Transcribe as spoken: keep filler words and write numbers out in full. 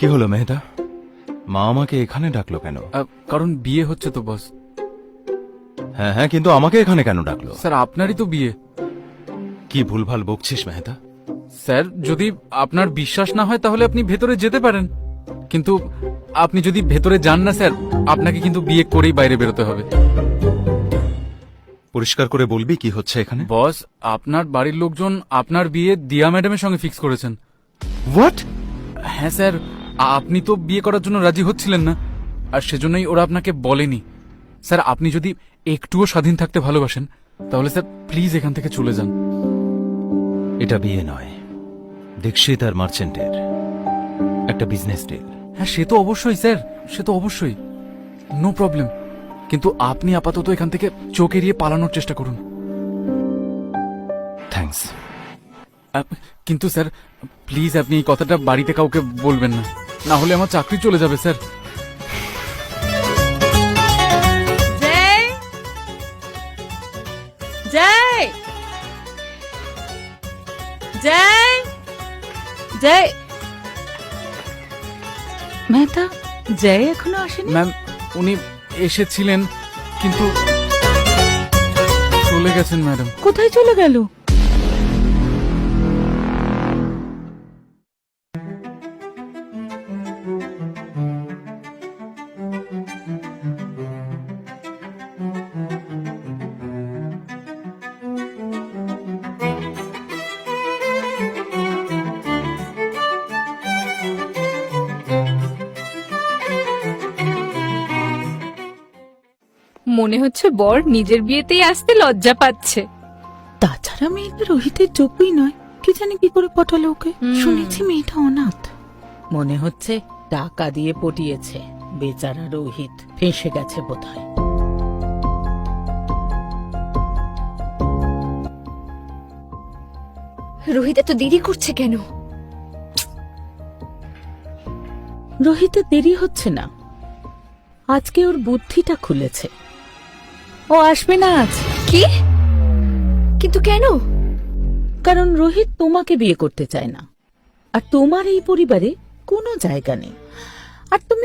কি হলো মেহতা, মা আমাকে এখানে ডাকলো কেন? কারণ বিয়ে হচ্ছে তো বস। হ্যাঁ হ্যাঁ, কিন্তু আমাকে এখানে কেন ডাকলো? স্যার আপনারই তো বিয়ে। কি ভুলভাল বকছিস মেহতা? স্যার যদি আপনার বিশ্বাস না হয় তাহলে আপনি ভেতরে যেতে পারেন, কিন্তু আপনি যদি ভেতরে যান না স্যার, আপনাকে কিন্তু বিয়ে করেই বাইরে বেরোতে হবে। পরিষ্কার করে বলবি কি হচ্ছে এখানে? বস, আপনার বাড়ির লোকজন আপনার বিয়ে দিয়া ম্যাডামের সঙ্গে ফিক্স করেছেন। হোয়াট? হ্যাঁ স্যার, আপনি তো বিয়ে করার জন্য রাজি হচ্ছিলেন না, আর সেজন্যই ওরা আপনাকে বলেনি। স্যার আপনি যদি একটুও স্বাধীন থাকতে ভালোবাসেন তাহলে স্যার প্লিজ এখান থেকে চলে যান। এটা বিয়ে নয়, দীক্ষিত আর মার্চেন্টের একটা বিজনেস ডিল। হ্যাঁ সে তো অবশ্যই স্যার, সে তো অবশ্যই, নো প্রবলেম, কিন্তু আপনি আপাতত এখান থেকে চোখ এড়িয়ে পালানোর চেষ্টা করুন। থ্যাঙ্কস। কিন্তু স্যার প্লিজ আপনি এই কথাটা বাড়িতে কাউকে বলবেন না, না হলে আমার চাকরি চলে যাবে স্যার। জয় জয় জয় মেহতা, জয় এখনো আসেনি? ম্যাম উনি এসেছিলেন কিন্তু চলে গেছেন ম্যাডাম। কোথায় চলে গেল? মনে হচ্ছে বর নিজের বিয়েতেই আসতে লজ্জা পাচ্ছে। তাছাড়া মেয়েটা রোহিতের যোগ্যই নয়, কি জানি কি করে পটালো ওকে। শুনেছি মেয়েটা অনাথ। মনে হচ্ছে টাকা দিয়ে পটিয়েছে। বেচারা রোহিত ফেঁসে গেছে বোধহয়। রোহিত এত দেরি করছে কেন? রোহিতের দেরি হচ্ছে না, আজকে ওর বুদ্ধিটা খুলেছে। ও আসবে না আজ। কি? কিন্তু কেন? কারণ রোহিত তোমাকে বিয়ে করতে চায় না, আর তোমার এই পরিবারে কোনো জায়গা নেই। আর তুমি